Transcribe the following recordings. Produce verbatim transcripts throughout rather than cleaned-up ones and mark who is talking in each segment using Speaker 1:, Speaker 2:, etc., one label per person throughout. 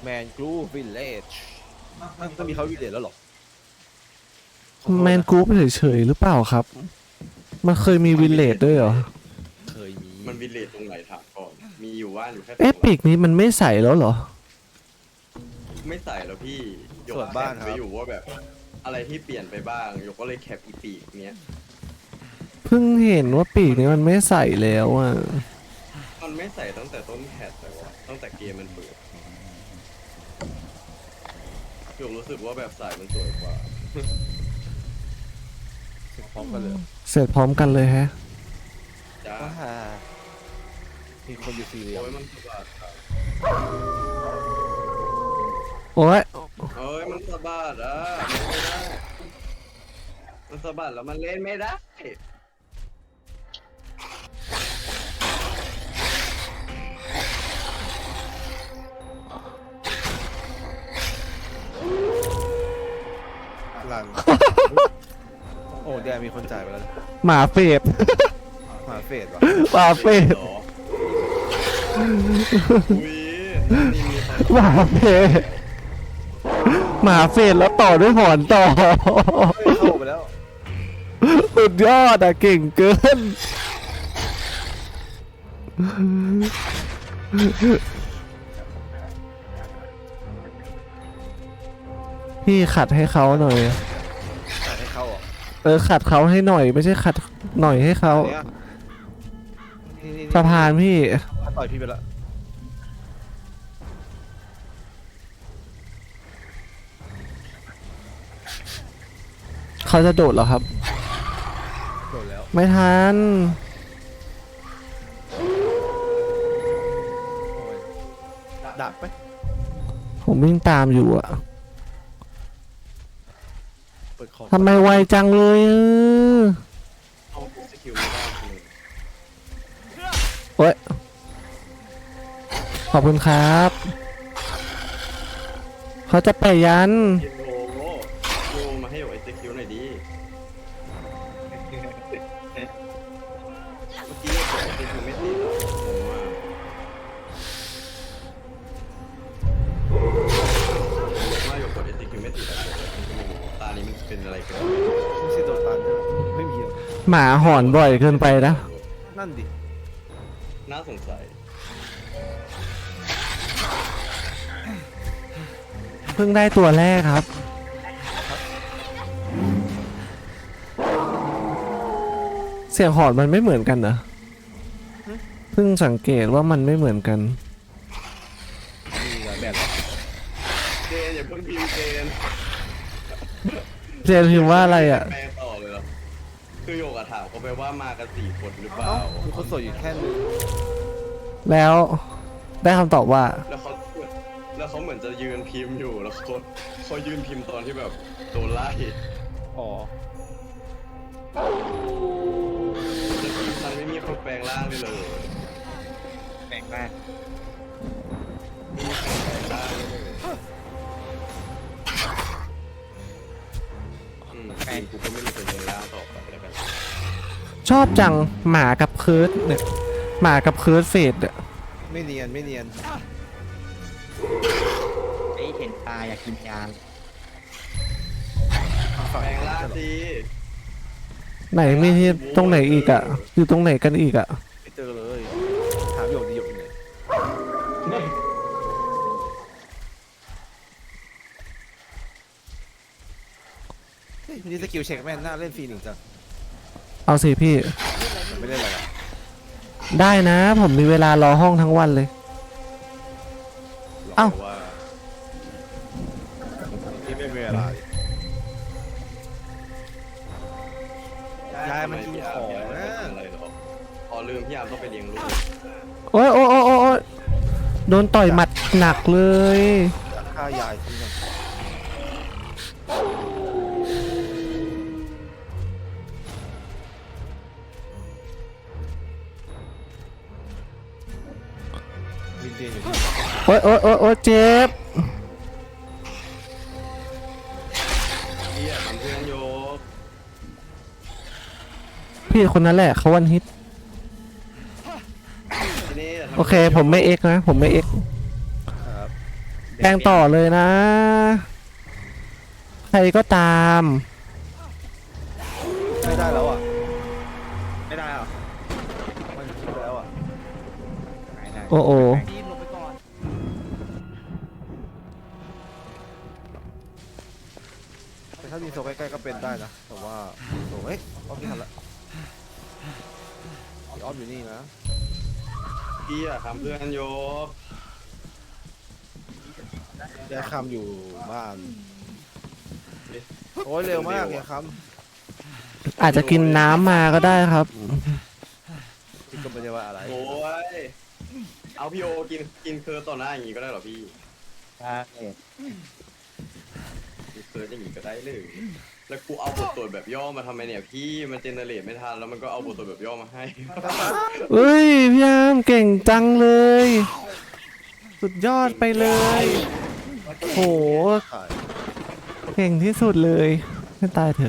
Speaker 1: แมนกรูวิลเลจมันก็มีเขาวิลเลจแล้วหรอ
Speaker 2: แมนกรุ๊ปเฉยๆหรือเปล่าครับ มันเคยมีวิลเลจด้วยเหรอ
Speaker 1: เคยมี
Speaker 3: มันวิลเลจตรงไหนถามก่อนมีอยู่ว่านอยู่แค่สอง
Speaker 2: เอ๊ะปีกนี้มันไม่ใส่แล้วเหรอ
Speaker 3: ไม่ใส่แล้วพี่ยก
Speaker 1: ส่วนบ้าน
Speaker 3: แคป
Speaker 1: ค
Speaker 3: ไป
Speaker 1: รับ
Speaker 3: อยู่ว่าแบบ อะไรที่เปลี่ยนไปบ้างยกก็เลยแคปอีปีกเนี้ย
Speaker 2: เพิ่งเห็นว่าปีกนี้มันไม่ใส่แล้วอ่ะ
Speaker 3: มันไม่ใส่ตั้งแต่ต้นแพทแต่ว่าตั้งแต่เกมมันเปิดยกรู้สึกว่าแบบสายมันสวยกว่า
Speaker 1: พร้อมกันเลย
Speaker 2: เสร็จพร้อมกันเลยฮะ
Speaker 3: จ้า
Speaker 1: อ่ามีคนอยู่สี่เหลี่ยม
Speaker 3: โอ้ยมันสะบัดครับ
Speaker 2: โอ้ย
Speaker 3: เอ้ยมันสะบัดอ่ะไม่ได้มันสะบัดแล้วมันเล่นไม่ได้
Speaker 1: หลัง โอ้แดนมีคนจ่ายไปแล้ว
Speaker 2: หมาเฟด
Speaker 1: หมาเฟดวะ
Speaker 2: หมาเฟด
Speaker 3: หรออุ้ยนี่มีคน
Speaker 2: หมาเฟดหมาเฟดแล้วต่อด้วยหอนต่อ
Speaker 1: เฮ้ยเข้าไปแล้ว
Speaker 2: สุดยอดอ่ะเก่งเกิน พี่ขัดให้เขาหน่อย
Speaker 1: จ่ายให้เข้าอ่ะ
Speaker 2: เออขัดเขาให้หน่อยไม่ใช่ขัดหน่อยให้เขา
Speaker 1: เนี่ยนี่นี่
Speaker 2: สะพานพี่
Speaker 1: ต่อยพี่ไปแล้ว
Speaker 2: เขาจะโดดเหรอครับ
Speaker 1: โดนแล้ว
Speaker 2: ไม่ทัน
Speaker 1: โอ้ยดักไป
Speaker 2: ผมวิ่งตามอยู่อะ
Speaker 1: เปิดคอม
Speaker 2: ทำไมไวจังเลยเออ
Speaker 3: เอาสกิลไม่ได้เลย
Speaker 2: โอ้ยขอบคุณครับ เขาจะไปยัน
Speaker 3: เกมโลโลมาให้หยกไอสกิลหน่อยดีเมื่อกี้หยกกดไอสกิลไม่ติดอ่ะงงมากว่าหยกกดไอสกิลไม่ติดอ่ะตานี้มันเป็นอะไรกัน
Speaker 1: ไม่ใช่โดนตันไม่มีหรอก
Speaker 2: หมาหอนบ่อยเกินไปนะ
Speaker 1: นั่นดิ
Speaker 3: น่าสงสัย
Speaker 2: เพิ่งได้ตัวแรกครับ เสียงหอนมันไม่เหมือนกันนะเพิ่งสังเกตว่ามันไม่เหมือนกัน
Speaker 1: มีหลายแบบ
Speaker 3: เจนอย่าเพิ่งพิมพ์เจน
Speaker 2: เจนพิมพ์ว่าอะไรอ่ะ
Speaker 3: แปลต่อเลยเหรอคือโยกอะถามเขาไปว่ามากันสี่คนหรือเปล่า
Speaker 1: เอ้ามีคนสวยอยู่แค่นึง
Speaker 2: แล้วได้คำตอบว่า
Speaker 3: แล้วเขาแล้วเขาเหมือนจะยืนพิมพ์อยู่แล้วเขาเขายืนพิมพ์ตอนที่แบบโดนไล่
Speaker 1: อ๋อ
Speaker 3: แต่ทีมฉันไม่มีคนแปลงร่างเลยเลย
Speaker 1: แปลกมาก
Speaker 3: ไม่มีใครแปลงร่างเลยอืมทีมกูก็ไม่มีคนแปลงร่างต่อไปแล้วกัน
Speaker 2: ชอบจังหมากับเคิร์ดเนี่ยหมากับเคิร์ดเฟดอ่ะ
Speaker 1: ไม่เนียนไม่เนียน
Speaker 4: ไอ้เห็นตาอยากกินยา
Speaker 1: ฝั่ง
Speaker 3: แปลงร่าง
Speaker 1: จะหรอ
Speaker 3: สิ
Speaker 2: ไหนมีที่ตรงไหนอีกอ่ะอยู่ตรงไหนกันอีกอ่ะ
Speaker 1: ไม่เจอเลยถามหยกดีหยกอยู่ไหนเฮ้ยนี่สกิลเช็คแม่นน่าเล่นฟรีหนึ่งจัง
Speaker 2: เอาสิพี่
Speaker 1: มันไม่เล่นอะไรอ่ะ
Speaker 2: ได้นะ ผมมีเวลารอห้องทั้งวันเลย เอ้า
Speaker 3: ว่า
Speaker 1: ที่ไม่มีเวลาดิยายมันกินของนะ
Speaker 3: อะไรหรอพอลืมพี่ยามต้องไปเลี้ยงลูก
Speaker 2: โอ้ยโอ้ยโอ้ยโอ้ยโดนต่อยหมัดหนักเลย
Speaker 1: ฆ่ายายทิ้งกันวินเดียนอยู่ที่
Speaker 2: โอ้ยโอ้ยโอ้ยโอ้ยเจ็บ
Speaker 3: พี่อะทำเพื่อนโยก
Speaker 2: พี่คนนั้นแหละเขาวันฮิต
Speaker 3: ทีนี้ะทำ
Speaker 2: โอเค ผมไม่เอ็กนะ ผมไม่เอ็ก
Speaker 1: ครับ
Speaker 2: เกงต่อเลยนะ ใครก็ตาม
Speaker 1: ไม่ได้แล้วอ่ะ
Speaker 4: ไม่ได้หรอ
Speaker 1: มันคิดแล้วอ่ะ
Speaker 4: ไม่ได้
Speaker 2: โอ้โอ
Speaker 1: ดีลงไปก่อนแต่ถ้ามีโซใกล้ๆก็เป็นได้นะแต่ว่าโซเอ้ยอ้อมไม่ทันละอ้อมอยู่นี่นะ
Speaker 3: พี่อะทำเพื่อนโยบ
Speaker 1: แกคำอยู่บ้านโอ้ยเร็วมากแกค
Speaker 2: อาจจะกินน้ำมาก็ได้ครับ
Speaker 1: ำที่ก็ไม่ได้ว่าอะไร
Speaker 3: โอ้ยเอาพี่โอกินกินเคิร์ดต่อหน้าอย่างงี้ก็ได้เหรอพี่
Speaker 4: ใช่
Speaker 3: กินเคิร์ดอย่างงี้ก็ได้เลยแล้วกูเอาบทตรวจแบบย่อมาทำไมเนี่ยพี่มันเจเนเรตไม่ทันแล้วมันก็เอาบทตรวจแบบย่อมาให้
Speaker 2: เอ้ยพี่ยามเก่งจังเลย สุดยอดไปเลย โห
Speaker 1: ถ่าย
Speaker 2: เก่งที่สุดเลยให้ตายเถอะ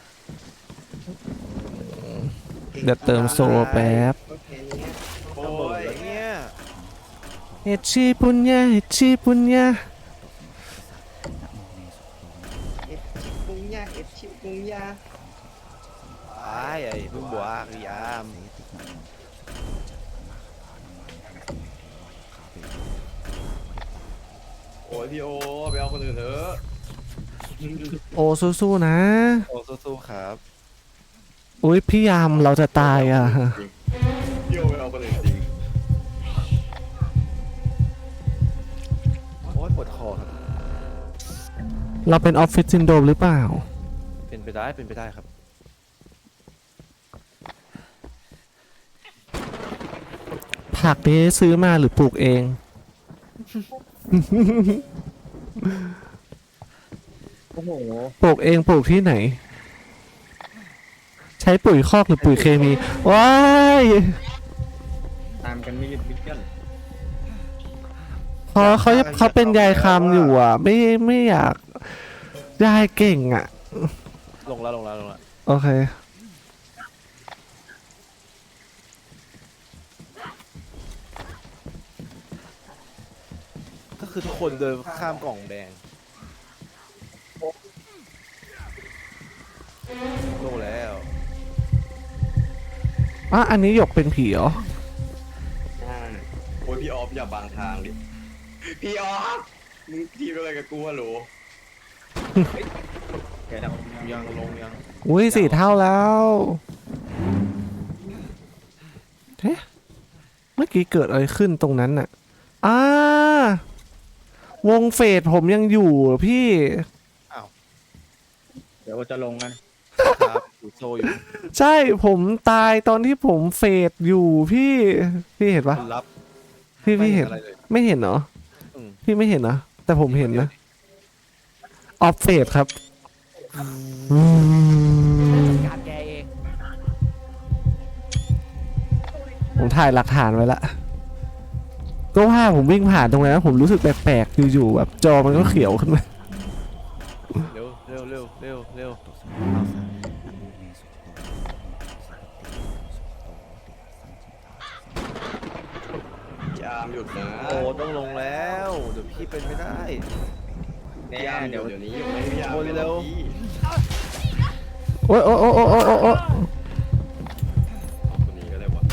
Speaker 2: เดี๋ยวเติมโซแป๊บ
Speaker 3: โอ้
Speaker 1: โอ้ย
Speaker 3: ย
Speaker 1: เนี่ย
Speaker 2: เฮชิปุญญาเฮชิปุญญา
Speaker 3: เอ็ดชิปุงยาเอ็ดชิปุงยา
Speaker 1: ไอ้ไอ้พึ่งบัวรีอาม
Speaker 3: โอ้ยพี่โอไปเอาคนอื่นเถอะ
Speaker 2: โอ้สู้ๆนะ
Speaker 1: โอ้สู้ๆครับ
Speaker 2: อุ้ยพี่ยามเราจะตายอ่ะ
Speaker 3: พี่โอไปเอาคนอื่นจริง
Speaker 1: โอ้ยปวดคอครับ
Speaker 2: เราเป็นออฟฟิศซินโดรมหรือเปล่า
Speaker 1: เป็นไปได้เป็นไปได้ครับ
Speaker 2: ผักนี้ซื้อมาหรือปลูกเอง
Speaker 4: โอ้โห
Speaker 2: ปลูกเองปลูกที่ไหน ใช้ปุ๋ยคอกหรือปุ๋ยเคมีว้าย
Speaker 4: ตามกันไม่หยุดไม่หย่อน
Speaker 2: เพราะเขาเขาเป็นยายคำอยู่อ่ะ ไม่ไม่อยากยายเก่งอ่ะ
Speaker 1: ลงแล้วลงแล้วลงแล้ว
Speaker 2: โอเค
Speaker 1: ก็คือทุกคนเดินข้ามกล่องแดงลงแล้ว
Speaker 2: อ่ะ อันนี้หยกเป็นผีเหรอ
Speaker 3: อ่าโอ้ยพี่ออฟอย่าบังทางดิพี่ออฟมึงทีมอะไรกับกูฮัลโหล
Speaker 4: เดี๋ยวเรา
Speaker 1: ยังลงยัง
Speaker 2: อุ้ยสี่เท่าแล้วเฮ้เมื่อกี้เกิดอะไรขึ้นตรงนั้นน่ะอ่าวงเฟดผมยังอยู่เหรอพี่
Speaker 4: เดี๋ยวจะลงกัน
Speaker 1: ครับอยู่โซอยู่
Speaker 2: ใช่ผมตายตอนที่ผมเฟดอยู่พี่ พี่เห็นปะ
Speaker 1: คนรับ
Speaker 2: พี่
Speaker 1: ไม่
Speaker 2: พี่
Speaker 1: เห็
Speaker 2: เห็
Speaker 1: น
Speaker 2: น
Speaker 1: อะไรเลย
Speaker 2: ไม่เห็นเหรอ
Speaker 1: อืม
Speaker 2: พี่ไม่เห็นนะแต่ผมเห็นนะออฟเฟดครับ
Speaker 1: การแกเอง
Speaker 2: ผมถ่ายหลักฐานไว้ละก็ว่าผมวิ่งผ่านตรงนั้นผมรู้สึกแปลกๆอยู่ๆแบบจอมันก็เขียวขึ้นมา
Speaker 1: เร็วเร็วเร็วเร็วเร็ว
Speaker 3: พี่อาร์มหยุดนะ
Speaker 1: โอ้ต้องลงแล้วเดี๋ยวพี่เป็นไม่ได้
Speaker 4: แน่
Speaker 3: พี่อาร์ม
Speaker 4: เดี๋
Speaker 3: เดี๋
Speaker 4: ย
Speaker 3: ยว วเดี๋ยวนี้หยุดไม่ให้พี่อาร์ม
Speaker 1: โอ้ยเร็ว
Speaker 3: พี่
Speaker 2: โอ๊ยโอ๊ยโอ๊ยโอ๊ยโอ๊ยโอ๊ย
Speaker 3: คนนี้ก็ได้วะ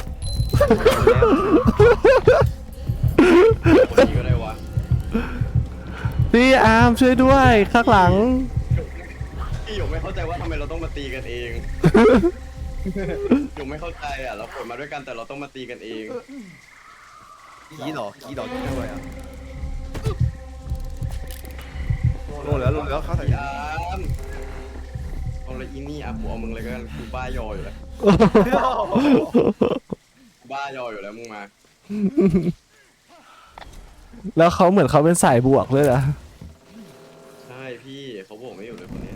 Speaker 3: คนนี้ก็ได้วะ
Speaker 2: พี่อาร์มช่วยด้วยข้างหลัง
Speaker 3: พี่หยกไม่เข้าใจว่าทำไมเราต้องมาตีกันเองหยกไม่เข้าใจอ่ะเราเปิดมาด้วยกันแต่เราต้องมาตีกันเอง
Speaker 1: กี้หรอกี้หรอกี้ด้วยอ่ะลงแล้วลงแล้วเข้าใส่
Speaker 3: พี่อาร์มเอาเลยอีนี่อ่ะกูเอามึงเลยก็กันกูบ้ายออยู่แล้วบ้ายออยู่แล้วมึงมา
Speaker 2: แล้วเขาเหมือนเขาเป็นสายบวกเลยนะ
Speaker 3: ใช่พี่เขาบอกไม่อยู่เลยคนนี้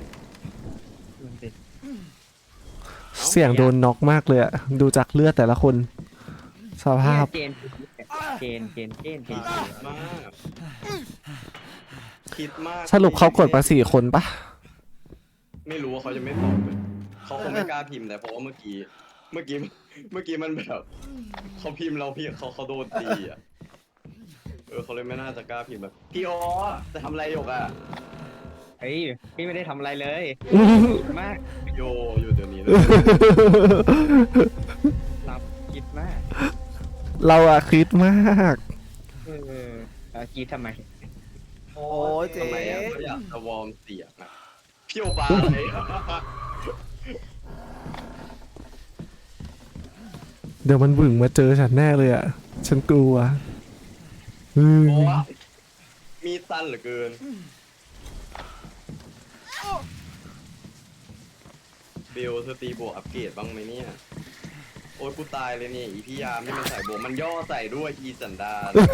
Speaker 2: เสียงโดนน็อกมากเลยอะดูจากเลือดแต่ละคนสภาพ
Speaker 4: เจนเจนเจนเจนเจน
Speaker 3: คิดมากคิดมาก
Speaker 2: สรุปเขากดมาสี่คนปะ
Speaker 3: ไม่รู้ว่าเขาจะไม่ตอบเลยเขาคงไม่กล้าพิมพ์แต่เพราะว่าเมื่อกี้ เมื่อกี้เมื่อกี้มันแบบเขาพิมพ์เราพี่เขาเขาโดนตีอ่ะเออเขาเลยไม่น่าจะกล้าพิมพ์แบบพี่ออจะทำอะไรหยกอ่ะ
Speaker 4: เฮ้ยพี่ไม่ได้ทำอะไรเลยมาก
Speaker 3: โยอยู่เดี๋ยวนี้เลย
Speaker 4: รับคิดมาก
Speaker 2: เราอะคิดมาก
Speaker 4: เออเอาคิดทำไม
Speaker 1: โอ้ยเจ๊
Speaker 3: ทำไมอ่ะเขาอยากจะวอร์มเสียงอ่ะพี่โอปาอะไร
Speaker 2: เดี๋ยวมันบึ่งมาเจอฉันแน่เลยอะฉันกลัวอืม
Speaker 3: โอ้มีดสั้นเหลือเกินเบลเธอตีบวกอัปเกรดบ้างไหมเนี่ยโอ้ยกูตายเลยเนี่ยอีพี่ยามที่มันใส่บวกมันย่อใส่ด้วยอีสันดาน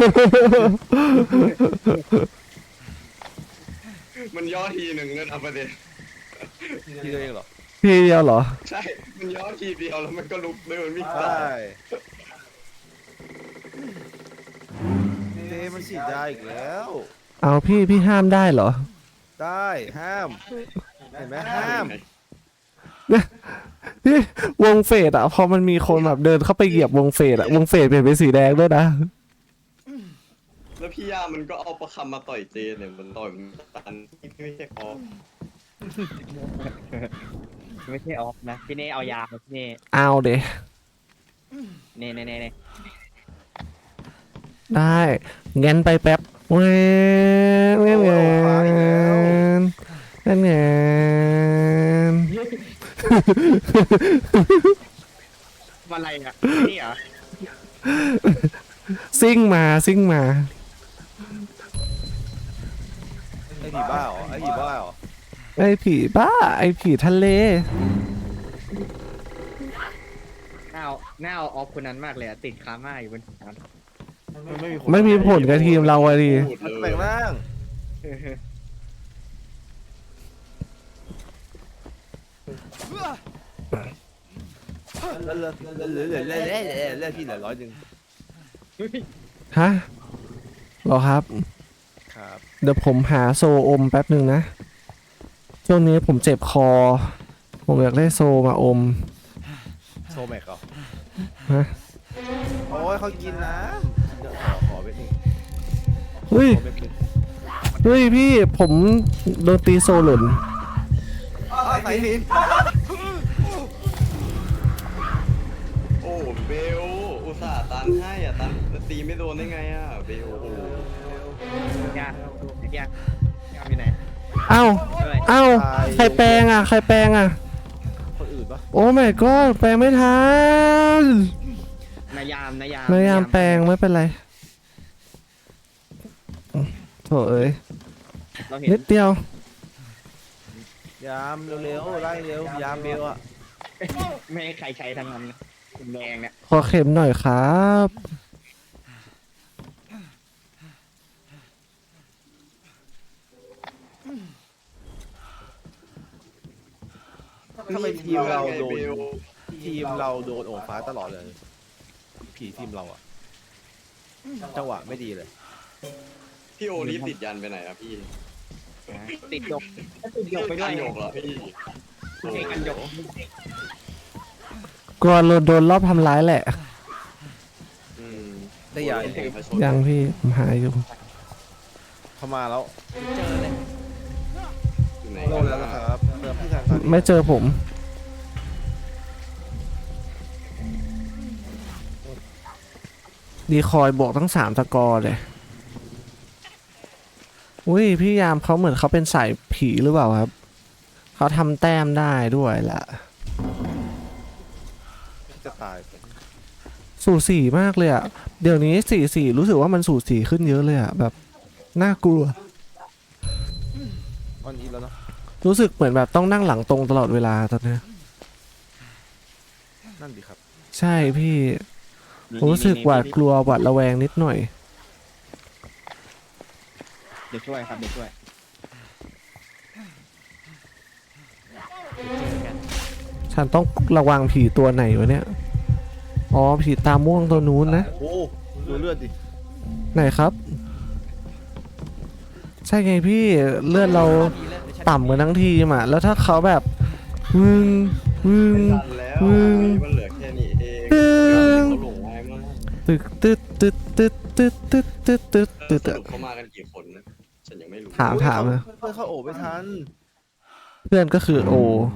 Speaker 3: มันย่อทีหนึ่งเงินเอาประเด็น
Speaker 1: พี่ตัวเองเหรอ
Speaker 2: พี่เดียวเหรอ
Speaker 3: ใช่ มันย่อทีเดียวแล้วมันก็ลุกเดินวิ่ง
Speaker 1: ใช
Speaker 3: ตา
Speaker 1: ่เจ๊มันฉีดได้อีกแล้ว
Speaker 2: เอาพี่พี่ห้ามได้เหรอ
Speaker 1: ได้ห้ามเห็นไหมห้าม
Speaker 2: พี่วงเฟดอะพอมันมีคนแบบเดินเข้าไปเหยียบวงเฟดอะวงเฟดเปลี่ยนเป็นสีแดงด้วยนะ
Speaker 3: แล้วพี่ยามันก็เอาประคำมาต่อยเจเนี่ยมันต่อยมันตันไม่ใช่คอ
Speaker 4: ไม่ใช่ออฟนะพี่เน่เอายามาพี่เน่
Speaker 2: เอาเด
Speaker 4: เน่เน่เน่เน่
Speaker 2: ได้งั้นไปแป๊บเว้ยเว้ยเว้ยนั่นไง
Speaker 4: อะไรอ่ะนี่เหรอ
Speaker 2: ซิ่งมาซิ่งมา
Speaker 1: ไอ้ผีบ้าเหรอไอ้ผีบ้าเหรอ
Speaker 2: ไอ้ผีบ้าไอ้ผีทะเล
Speaker 4: หน้าเอาหน้าเอาออฟคนนั้นมากเลยอะติดคาม่าอยู่บนน้
Speaker 1: มันไม่มี
Speaker 2: ไม่มีผลกับทีมเราอะดิ
Speaker 3: พูด
Speaker 1: มัน
Speaker 3: เล
Speaker 1: แปล
Speaker 3: ย
Speaker 1: งร่าง
Speaker 4: ำ
Speaker 1: แล้วเลือดเลือดเลือดเลือดเลือดเลือดเลือดพี่เหลือร้อยหนึ่ง
Speaker 2: ฮะเหรอครับ
Speaker 1: ครับ
Speaker 2: เดี๋ยวผมหาโซอมแป๊บหนึ่งนะ ช่วงนี้ผมเจ็บคอ ผมอยากได้โซมาอม
Speaker 1: โซแม็กเหรอ
Speaker 2: ฮะ
Speaker 1: โอ้ยเขากินน้ำเดี๋ยวขอขอไปหนึ่ง
Speaker 2: เฮ้ย
Speaker 1: ขอไปหนึ่ง
Speaker 2: เฮ้ยพี่ผมโดนตีโซหล่น
Speaker 1: อ้าวใส่หิน
Speaker 3: โอ้เบลอุตส่าห์ตันให้อ่ะตันตีไม่โดนได้ไงอ่ะเบลโอ้
Speaker 4: ยาไอ้ยาอยาอยู่ไหน
Speaker 2: เอ้า
Speaker 4: ด้วย
Speaker 2: เอ้าใครแปลงอ่ะใครแปลงอ่ะ
Speaker 1: คนอื่นปะ
Speaker 2: โอ้ my god แปลงไม่ทัน
Speaker 4: นายามนายาม
Speaker 2: พยายามแปลงไม่เป็นไรโถเอ้ย
Speaker 4: เราเห็น
Speaker 2: นิดเดียว
Speaker 1: ยามเร็วๆไล่เร็วยามเบลอะ
Speaker 4: ไม่ให้ใครใช้ทั้งนั้นนะแดงเนี่ย
Speaker 2: ขอเข็มหน่อยครับ
Speaker 1: ทำไมทีมเราโดน
Speaker 3: เบล
Speaker 1: ทีมเราโดนโอ่งฟ้าตลอดเลย ผีทีมเราอะจังหวะไม่ดีเลย
Speaker 3: พี่โอนี่ติดยันไปไหนอ่ะพี่
Speaker 4: ติดหยกติดหยกไปด้วย
Speaker 3: หยกเหรอพี่
Speaker 4: เก่งกันหยก
Speaker 2: กลัวโดนรอบทำร้ายแหละ
Speaker 3: อืม
Speaker 1: ได้ยา
Speaker 3: เองพระชน
Speaker 2: ยังพี่ผมหาอยู่
Speaker 1: เข้ามาแล้ว
Speaker 3: อยู่ไหน
Speaker 1: โดนแล้วนะครับเติมที่ทางการ
Speaker 2: ไม่เจอผม ดีคอยบวกตั้งสามสกอร์เลย อุ้ยพี่ยามเขาเหมือนเขาเป็นสายผีหรือเปล่าครับ เขาทำแต้มได้ด้วยล่ะ
Speaker 1: จะตาย
Speaker 2: สูสีมากเลยอะเดี๋ยวนี้สี่สี่รู้สึกว่ามันสูสีขึ้นเยอะเลยอะแบบน่ากลัว
Speaker 1: ตอนนี้แล้วเนาะ
Speaker 2: รู้สึกเหมือนแบบต้องนั่งหลังตรงตลอดเวลาตอนเนี้ย
Speaker 1: นั่นดีครับ
Speaker 2: ใช่พี่ผมรู้สึกหวาดกลัวหวาดระแวงนิดหน่อย
Speaker 4: เดี๋ยวช่วยครับเดี๋ยวช่วย
Speaker 2: ฉันต้องระวังผีตัวไหนวะเนี่ย อ๋อผีตาม่วงตัวนู้นนะ
Speaker 1: โอ้ดูเลือดดิ
Speaker 2: ไหนครับ ใช่ไงพี่เลือดเราต่ำกันทั้งทีมอ่ะ แล้วถ้าเขาแบบวึงวึง
Speaker 3: ตันแล้ว
Speaker 2: อืม
Speaker 3: มันเหลือแค่นี้เอง
Speaker 2: ตึ้ง
Speaker 3: เขาหลงง่ายมาก
Speaker 2: ตึกตึ๊ดตึ๊ดตึ๊ดตึ๊ดตึ๊ดตึ๊ดตึ๊ด
Speaker 3: เอ
Speaker 2: ตึ๊
Speaker 3: อ
Speaker 2: ด
Speaker 3: ส
Speaker 2: ตึ๊ด
Speaker 3: รุปเขามากันกี่คนนะฉันยังไม่รู้
Speaker 2: ถามถามนะ
Speaker 1: เพื่อนเข้าโอบไม่ทัน
Speaker 2: เพื่อนก็คือโอ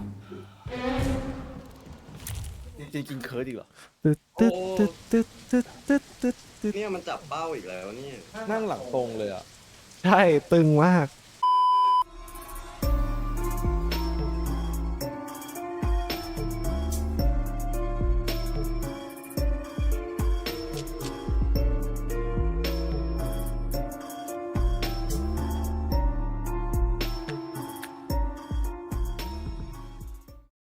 Speaker 1: จริงๆกินเคิร์ดดีกว่า
Speaker 2: ตึ๊ดตึ๊ดตึ๊ดตึ๊ดตึ๊ดตึ๊ดตึ๊ดตึ๊ด
Speaker 3: เนี่ยมันจับเป้าอีกแล้วเนี่ย
Speaker 1: นั่งหลังตรงเลยอ่ะ
Speaker 2: ใช่ตึงมาก